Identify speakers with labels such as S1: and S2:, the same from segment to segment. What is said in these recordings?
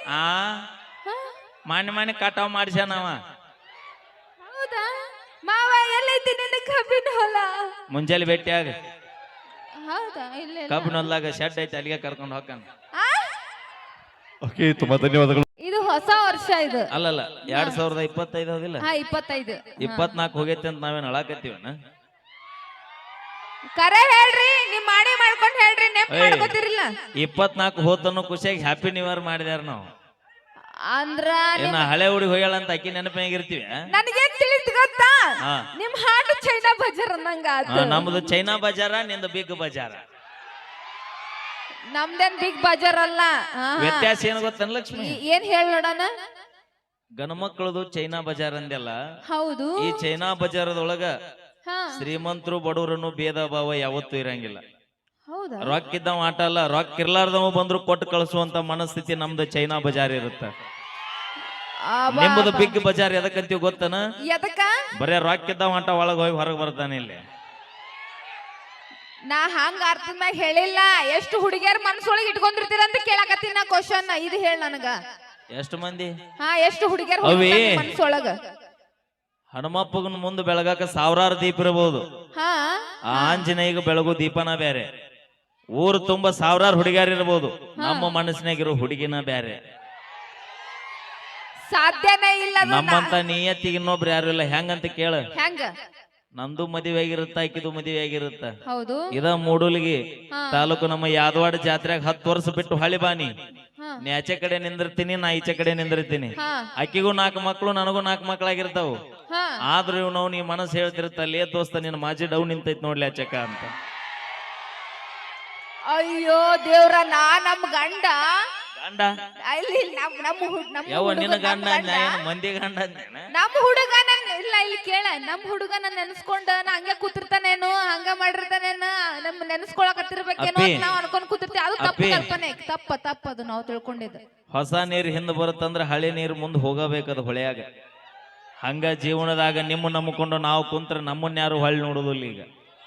S1: ಆ ಮಾನ್ಯ ಕಟಾವ್ ಮಾಡಿಸ್ಯಾನವ.
S2: ಹೌದಾ ಮಾವ ಎಲ್ಲೈತಿ ನಿನ್ನ ಕಬ್ಬಿನ ಹೊಲ?
S1: ಮುಂಜಾನೆ ಭೇಟಿಯಾಗ
S2: ಹೌದಾ ಇಲ್ಲ
S1: ಕಬ್ಬಿನ ಹೊಲ್ದಾಗ ಶೆಡ್ ಐತಿ, ಅಲ್ಲಿಗೆ ಕರ್ಕೊಂಡು ಹೋಗ್ತಾನ.
S3: ಓಕೆ, ತುಂಬಾ ಧನ್ಯವಾದಗಳು.
S2: ಇದು ಹೊಸ ವರ್ಷ ಇದು.
S1: ಅಲ್ಲಲ್ಲ 2025 ಹೌದಿಲ್ಲ,
S2: 25.
S1: 24 ಹೋಗೈತಿ ಅಂತ ನಾವೇನ್ ಅಳಾಕತ್ತೀವನ?
S2: ಕರೆ ಹೇಳ್ರಿ, ನಿಮ್ ಮಾಡಿ ಮಾಡ್ಕೊಂಡ್ ಹೇಳ್ರಿ, ನೆಪ್ ಮಾಡ್ಕೋತಿರಿಲ್ಲ.
S1: 24 ಹೋತನ್ನು ಖುಷಿಯಾಗಿ ಹ್ಯಾಪಿ ನ್ಯೂ ಇಯರ್ ಮಾಡಿದ್ಯಾರ ನಾವು.
S2: ಅಂದ್ರ
S1: ಏನ ಹಳೆ ಹುಡುಗಿ ಹೋಗ್ಯಾಳ ಅಂತ ಅಕ್ಕಿ ನೆನಪಾಗಿರ್ತೀವಿ.
S2: ನನಗೇನ್ ತಿಳಿತು ಗೊತ್ತಾ, ನಿಮ್ ಹಾಡು ಚೈನಾ ಬಜಾರ್ ಅನ್ನಂಗ ಆತು.
S1: ನಮ್ದು ಚೈನಾ ಬಜಾರ, ನಿಂದು ಬಿಗ್ ಬಜಾರ.
S2: ನಮ್ದೇನ್ ಬಿಗ್ ಬಜಾರ್ ಅಲ್ಲ.
S1: ವ್ಯತ್ಯಾಸ ಏನು ಗೊತ್ತೇನ ಲಕ್ಷ್ಮಿ?
S2: ಏನ್ ಹೇಳ್ ನೋಡಣ.
S1: ಗಣಮಕ್ಕಳದು ಚೈನಾ ಬಜಾರ್ ಅಂದೆಲ್ಲ.
S2: ಹೌದು.
S1: ಈ ಚೈನಾ ಬಜಾರದೊಳಗ ಶ್ರೀಮಂತರು ಬಡವರನ್ನು ಭೇದ ಭಾವ ಯಾವತ್ತೂ ಇರಂಗಿಲ್ಲ.
S2: ಹೌದಾ?
S1: ರೊಕ್ಕ ಇದ್ದವ ಆಟ ಅಲ್ಲ, ರೊಕ್ಕ ಇರ್ಲಾರ್ದವ ಬಂದ್ರು ಕೊಟ್ಟು ಕಳಿಸುವಂತ ಮನಸ್ಥಿತಿ ನಮ್ದು ಚೈನಾ ಬಜಾರ್ ಇರುತ್ತ. ನಿಮ್ಮದು ಬಿಗ್ ಬಜಾರ್ ಎದಕ್ಕಂತೀವಿ ಗೊತ್ತನ?
S2: ಎದಕ್ಕ?
S1: ಬರೇ ರೊಕ್ಕ ಇದ್ದವ ಆಟ ಒಳಗ ಹೋಗಿ ಹೊರಗೆ ಬರ್ತಾನೆ ಇಲ್ಲಿ.
S2: ನಾ ಹಂಗ ಅರ್ಥದ ಮ್ಯಾಗ ಹೇಳಿಲ್ಲ. ಎಷ್ಟು ಹುಡುಗಿಯರ್ ಮನಸ್ಸೊಳಗೆ ಇಟ್ಕೊಂಡಿರ್ತೀರ ಅಂತ ಕೇಳಕತ್ತೀನಿ ನಾ ಕ್ವಶನ್. ಇದು ಹೇಳ ನನಗ.
S1: ಎಷ್ಟು ಮಂದಿ?
S2: ಎಷ್ಟು ಹುಡುಗಿಯರ್ ಮನಸ್ಸೊಳಗ?
S1: ಹನುಮಪ್ಪಗನ ಮುಂದೆ ಬೆಳಗಾಕ ಸಾವಿರಾರು ದೀಪ ಇರಬಹುದು. ಆಂಜನೇಯಗ ಬೆಳಗು ದೀಪನ ಬೇರೆ. ಊರು ತುಂಬಾ ಸಾವಿರಾರು ಹುಡುಗಿಯರ್ ಇರಬಹುದು, ನಮ್ಮ ಮನಸ್ಸಿನಾಗಿರೋ ಹುಡುಗಿನ ಬೇರೆ.
S2: ಸಾಧ್ಯನೇ ಇಲ್ಲ.
S1: ನಮ್ಮಂತ ನಿಯತ್ತಿಗೆ ಇನ್ನೊಬ್ರು ಯಾರು ಇಲ್ಲ. ಹೆಂಗಂತ ಕೇಳ.
S2: ಹೆಂಗ?
S1: ನಮ್ದು ಮದುವೆ ಆಗಿರುತ್ತ, ಆಕಿದು ಮದುವೆ ಆಗಿರುತ್ತ.
S2: ಹೌದು.
S1: ಇದ ಮೂಡೂಲಿಗಿ ತಾಲೂಕು ನಮ್ಮ ಯಾದವಾಡ ಜಾತ್ರೆಗೆ 10 ವರ್ಷ ಬಿಟ್ಟು ಹಳಿ ಬಾನಿ. ನೀ ಆಚೆ ಕಡೆ ನಿಂದಿರ್ತೀನಿ, ನಾ ಈಚೆ ಕಡೆ ನಿಂದಿರ್ತೀನಿ. ಆಕಿಗೂ 4 ಮಕ್ಳು, ನನಗೂ 4 ಮಕ್ಳಾಗಿರ್ತಾವು. ಆದ್ರೂ ಇವ್ ನಾವು ನೀ ಮನಸ್ಸು ಹೇಳ್ತಿರುತ್ತಲ್ಲೇ ದೋಸ್ತ ನಿನ್ನ ಮಾಜಿ ಡೌ ನಿಂತೈತ್ ನೋಡ್ಲಿ ಆಚಕ ಅಂತ.
S2: ಅಯ್ಯೋ ದೇವ್ರ, ನಮ್ ಗಂಡ
S1: ಗಂಡ
S2: ಯಾವ
S1: ನಿನ್ನ ಗಂಡ ಮಂದಿ ಗಂಡ
S2: ನಮ್ ಹುಡುಗ ಇಲ್ಲ. ಇಲ್ಲಿ ಕೇಳ, ನಮ್ ಹುಡುಗ ನನ್ ನೆನ್ಸ್ಕೊಂಡ ನಾ ಹಂಗೆ ಕೂತಿರ್ತಾನೇನು, ಹಂಗ ಮಾಡಿರ್ತಾನೇನು, ನಮ್ ನೆನ್ಸ್ಕೊಳಕತ್ತಿರ್ಬೇಕೇನೋ ನಾವ್ ಅನ್ಕೊಂಡ್ ಕೂತಿರ್ತೀವಿ. ಅದು ತಪ್ಪು ಕಲ್ಪನೆ, ತಪ್ಪದು ನಾವು ತಿಳ್ಕೊಂಡಿದ್ದು.
S1: ಹೊಸ ನೀರು ಹಿಂದ್ ಬರುತ್ತಂದ್ರ ಹಳೆ ನೀರು ಮುಂದೆ ಹೋಗಬೇಕದು ಹೊಳೆಯಾಗ. ಹಂಗ ಜೀವನದಾಗ ನಿಮ್ಮ ನಂಬಿಕೊಂಡು ನಾವು ಕುಂತ್ರ ನಮ್ಮನ್ನ ಯಾರು ಹೊಳ್ಳಿ ನೋಡುದಿಲ್ಲ. ಈಗ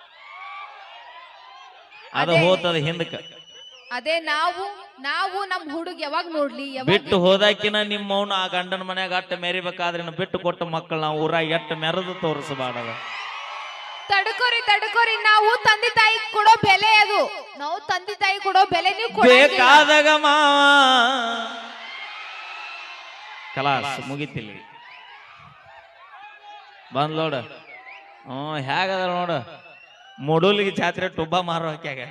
S1: ಅದು ಹೋತದ ಹಿಂದಕ್ಕ.
S2: ಅದೇ ನಾವು ನಮ್ ಹುಡುಗ ಯಾವಾಗ ನೋಡ್ಲಿ,
S1: ಬಿಟ್ಟು ಹೋದಾಕಿನ ನಿಮ್ಮ ಮೌನ ಆ ಗಂಡನ ಮನ್ಯಾಗ ಅಟ್ಟ ಮೆರಿಬೇಕಾದ್ರೆ ಬಿಟ್ಟು ಕೊಟ್ಟ ಮಕ್ಕಳು ನಾವು ಊರಾಗ ಎಟ್ಟ ಮೆರೆದು ತೋರಿಸಬಾರದ.
S2: ತಡ್ಕೋರಿ, ನಾವು ತಂದೆ ತಾಯಿ ಕೊಡೋ ಬೆಲೆ ಅದು. ನಾವು ತಂದೆ ತಾಯಿ ಕೊಡೋ ಬೆಲೆ ನೀವು
S1: ಬೇಕಾದಾಗ ಕಲಾಸ್ ಮುಗಿತಿಲ್ಲ. ಬಂದ್ ನೋಡ. ಹೇಗದ ನೋಡ, ಮೂಡೂಲಿಗೆ ಜಾತ್ರೆ ಟುಬ್ಬ ಮಾರೋ ಹಾಕ್ಯಾಗ.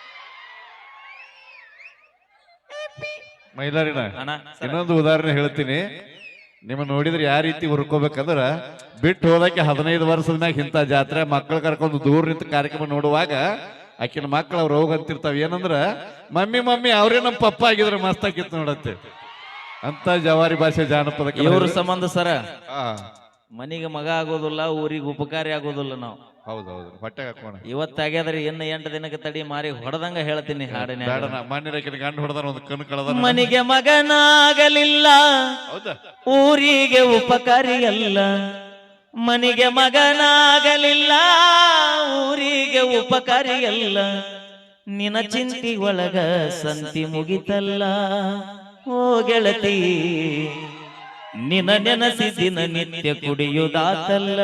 S3: ಮೈಲಾರಿನ ಇನ್ನೊಂದು ಉದಾಹರಣೆ ಹೇಳ್ತೀನಿ. ನಿಮ್ಮ ನೋಡಿದ್ರೆ ಯಾವ ರೀತಿ ಹುರ್ಕೋಬೇಕಂದ್ರ, ಬಿಟ್ಟು ಹೋದಕ್ಕೆ 15 ವರ್ಷದ ಮ್ಯಾಗ ಇಂಥ ಜಾತ್ರೆ ಮಕ್ಕಳು ಕರ್ಕೊಂಡು ದೂರ ನಿಂತ ಕಾರ್ಯಕ್ರಮ ನೋಡುವಾಗ ಆಕಿನ ಮಕ್ಳು ಅವ್ರು ಹೋಗಂತಿರ್ತಾವ. ಏನಂದ್ರ ಮಮ್ಮಿ ಅವ್ರೇ ನಮ್ಮ ಪಪ್ಪ ಆಗಿದ್ರೆ ಮಸ್ತ್ ಆಗಿತ್ತು ನೋಡತ್ತೆ ಅಂತ ಜವಾರಿ ಭಾಷೆ ಜಾನಪದ
S1: ಇವ್ರ ಸಂಬಂಧ ಸರ. ಮನಿಗೆ ಮಗ ಆಗೋದಿಲ್ಲ, ಊರಿಗೆ ಉಪಕಾರಿ ಆಗೋದಿಲ್ಲ ನಾವು.
S3: ಹೌದೌದು, ಹೊಟ್ಟೆ ಹಾಕೋಣ.
S1: ಇವತ್ತಾಗ್ಯಾದ್ರೆ ಇನ್ನು 8 ದಿನಕ್ಕೆ ತಡಿ ಮಾರಿ ಹೊಡೆದಂಗ ಹೇಳ್ತೀನಿ ಹಾಡಿನ.
S3: ಗಂಡ ಹೊಡೆದ ಒಂದು ಕಣ್ಣು ಕಳೆದ.
S1: ಮನಿಗೆ ಮಗನಾಗಲಿಲ್ಲ, ಊರಿಗೆ ಉಪಕಾರಿ ಅಲ್ಲ. ಮನಿಗೆ ಮಗನಾಗಲಿಲ್ಲ, ಊರಿಗೆ ಉಪಕಾರಿ ಅಲ್ಲ. ನಿನ ಚಿಂತಿ ಒಳಗ ಸಂತಿ ಮುಗಿತಲ್ಲ. ಓ ಗೆಳತಿ, ನಿನ ನೆನಸಿ ದಿನ ನಿತ್ಯ ಕುಡಿಯುದಾತಲ್ಲ.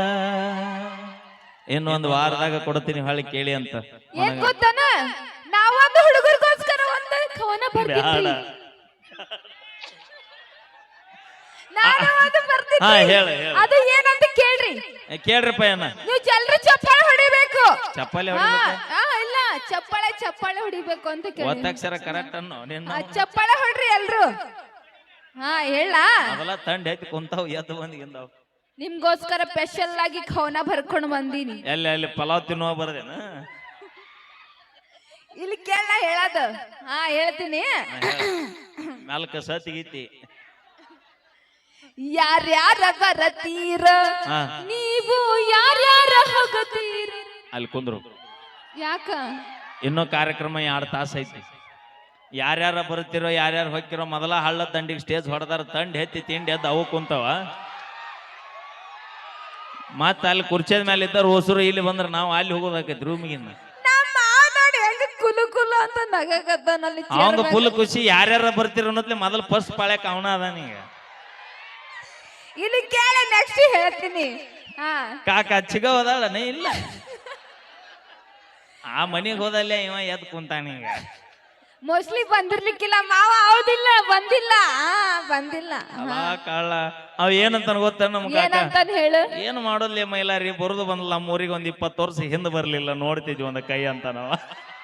S1: ಇನ್ನೊಂದು ವಾರದಾಗ ಕೊಡ್ತೀನಿ, ಹೊಳ್ಳಿ ಕೇಳಿ ಅಂತ.
S2: ನಾವೊಂದು ಹುಡುಗರಿಗೋಸ್ಕರ ಒಂದು ಕವನ ಬರ್ತೀನಿ. ಅದು ಏನಂತ ಕೇಳ್ರಿ.
S1: ಕೇಳ್ರಿಪ್ಪ ಏನ.
S2: ನೀವು ಜಲ್ರಿ ಚಪ್ಪಾಳೆ ಹೊಡಿಬೇಕು.
S1: ಚಪ್ಪಾಳೆ
S2: ಇಲ್ಲ, ಚಪ್ಪಾಳೆ ಹೊಡಿಬೇಕು ಅಂತ ಕೇಳಿ.
S1: ಒತ್ತಕ್ಷರ ಕರೆಕ್ಟ್ ಅನ್ನೋ ನಿನ್ನ.
S2: ಚಪ್ಪಾಳೆ ಹೊಡ್ರಿ ಎಲ್ರು. ಹೇಳ.
S1: ಅದೆಲ್ಲ ತಂಡ ಐತಿ ಕುಂತಾವ್, ಎದ್ದು ಬಂದಿದ್ದಾವ್.
S2: ನಿಮ್ಗೋಸ್ಕರ ಸ್ಪೆಷಲ್ ಆಗಿ ಕವನ ಬರ್ಕೊಂಡು ಬಂದೀನಿ.
S1: ಎಲ್ಲಿ ಪಲಾವ್ ತಿನ್ನುವ ಬರದೇನ?
S2: ಇಲ್ಲಿ ಕೇಳ ಹೇಳದು. ಹೇಳ್ತೀನಿ.
S1: ನಾಲ್ಕ ಸತಿಗೀತಿ.
S2: ಯಾರ್ಯಾರ ಬರತೀರ, ನೀವು ಯಾರ್ಯಾರ ಹೋಗತೀರ.
S1: ಅಲ್ಲಿ ಕುಂದ್ರು.
S2: ಯಾಕ?
S1: ಇನ್ನೂ ಕಾರ್ಯಕ್ರಮ 2 ತಾಸು ಐತಿ. ಯಾರ್ಯಾರ ಬರುತ್ತಿರೋ ಯಾರ್ಯಾರು ಹೋಗ್ತಿರೋ ಮೊದಲ ಹಳ್ಳ ದಂಡಿಗೆ ಸ್ಟೇಜ್ ಹೊಡೆದಾರ. ತಂಡ ಎತ್ತಿ ತಿಂಡಿ ಎದ್ದು ಅವು ಕುಂತಾವ. ಮತ್ತ ಅಲ್ಲಿ ಕುರ್ಚಿದ ಮೇಲೆ ಇದ್ದಾರ ಹೊಸರು. ಇಲ್ಲಿ ಬಂದ್ರ ನಾವು ಅಲ್ಲಿ ಹೋಗೋದಾಕೈತಿ ರೂಮಿಗಿನ್ನ.
S2: ಕುಲು ಕುಲು ಅಂತ ಸಾಕಾಗತ್ತನಲ್ಲಿ
S1: ಅವಂಗ ಫುಲ್ ಖುಷಿ ಯಾರ್ಯಾರ ಬರ್ತೀರ ಅನ್ನೋದ್ಲೆ ಮೊದಲು ಫಸ್ಟ್ ಪಾಳ್ಯಕ್ ಅವನ ಅದಾನೀಗ
S2: ಇಲ್ಲಿ ಕೇಳ ನೆಕ್ಸ್ಟ್ ಹೇಳ್ತೀನಿ ಹಾ
S1: ಕಾಕ ಚಿಗ ಹೋದಾಳನೇ ಇಲ್ಲ ಆ ಮನಿಗ್ ಹೋದಲ್ಲೇ ಇವ ಎದ್ ಕುಂತಾನೀಗ
S2: ಮೋಸ್ಟ್ಲಿ ಬಂದಿರ್ಲಿಕ್ಕಿಲ್ಲ ಮಾವ ಹೌದಿಲ್ಲ ಬಂದಿಲ್ಲ ಬಂದಿಲ್ಲ
S1: ಅಲ್ಲ ಕಳ್ಳ ಅವ್ ಏನಂತ ಗೊತ್ತ ನಮ್ ಕಾಕ
S2: ಏನಂತಾನ ಹೇಳು
S1: ಏನ್ ಮಾಡೋದ್ಲಿ ಮೈಲಾರಿ ಬರುದು ಬಂದಲ್ಲ ನಮ್ಮೂರಿಗೆ ಒಂದ್ 20 ವರ್ಷ ಹಿಂದ್ ಬರ್ಲಿಲ್ಲ ನೋಡ್ತಿದ್ವಿ ಒಂದ್ ಕೈ ಅಂತ ನಾವ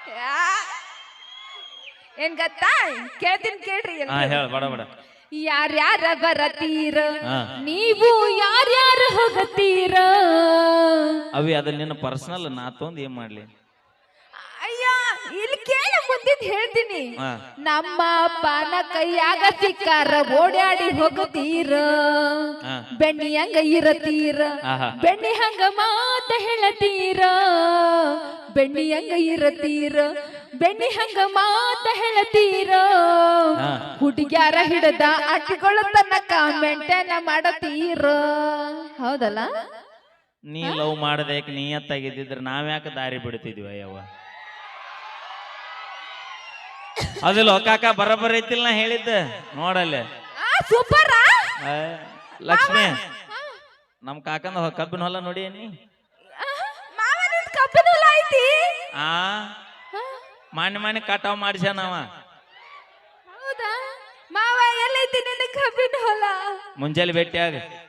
S2: ಏನ್ ಗೊತ್ತಾ ಕೇಳ್ತೀನಿ ಕೇಳ್ರಿ
S1: ಹಾ ಹೇಳ ಬಡ ಬಡ
S2: ಯಾರ್ಯಾರ ಬರತೀರ ನೀವು ಯಾರ್ಯಾರ ಹೋಗತೀರ
S1: ಅವಿ ಅದ ನಿನ್ನ ಪರ್ಸನಲ್ ನಾ ತೊಂದ್ ಏನ್ ಮಾಡ್ಲಿ
S2: ಅಯ್ಯ ಇಲ್ಲಿ ಕೇಳ ಮುಂದಿದ್ ಹೇಳ್ತೀನಿ
S1: ಹಾ
S2: ನಮ್ಮ ಅಪ್ಪನ ಕೈಯಾಗ ಸಿಕ್ಕಾರ ಓಡಾಡಿ ಹೋಗತೀರ
S1: ಹಾ
S2: ಬೆಣ್ಣಿ ಹಂಗ ಇರತೀರ
S1: ಆಹಾ
S2: ಬೆಣ್ಣಿ ಹಂಗ ಮಾತ ಹೇಳತೀರ ಬೆಣ್ಣಿ ಹಂಗ ಇರತೀರ ಬೆಣ್ಣಿ ಹಂಗ ಮಾತ ಹೇಳತೀರ
S1: ಹಾ.
S2: ಹುಡುಗ್ಯಾರ ಹಿಡದ ಅಟ್ಟಿಗಳ ತನಕ ಮೆಂಟೇನ ಮಾಡತೀರ ಹೌದಲ್ಲ
S1: ನೀ ಲವ್ ಮಾಡದೇಕ್ ನೀಯತ್ತಾಗಿದ್ದಿದ್ರೆ ನಾವ್ಯಾಕ ದಾರಿ ಬಿಡ್ತಿದ್ವಿ ಅಯ್ಯವ್ವ ಅದಿಲ್ಲ ಕಾಕ ಬರಬರ ಐತಿಲ್ಲ ನಾ ಹೇಳಿದ್ದ ನೋಡಲ್ಲೇ
S2: ಸೂಪರ್
S1: ಲಕ್ಷ್ಮಿ ನಮ್ ಕಾಕಂದ ಕಬ್ಬಿನ ಹೊಲ ನೋಡಿ ನೀ
S2: ಕಬ್ಬಿನ ಹೊಲ ಐತಿ
S1: ಆ ಮಾನ್ಯ ಕಟಾವ್ ಮಾಡಿಸ್ಯಾನವ
S2: ಹೌದಾ ಮಾವ ಎಲ್ಲೈತಿ ನಿನ್ನ ಕಬ್ಬಿನ ಹೊಲ
S1: ಮುಂಜಾನೆ ಭೇಟಿಯಾಗ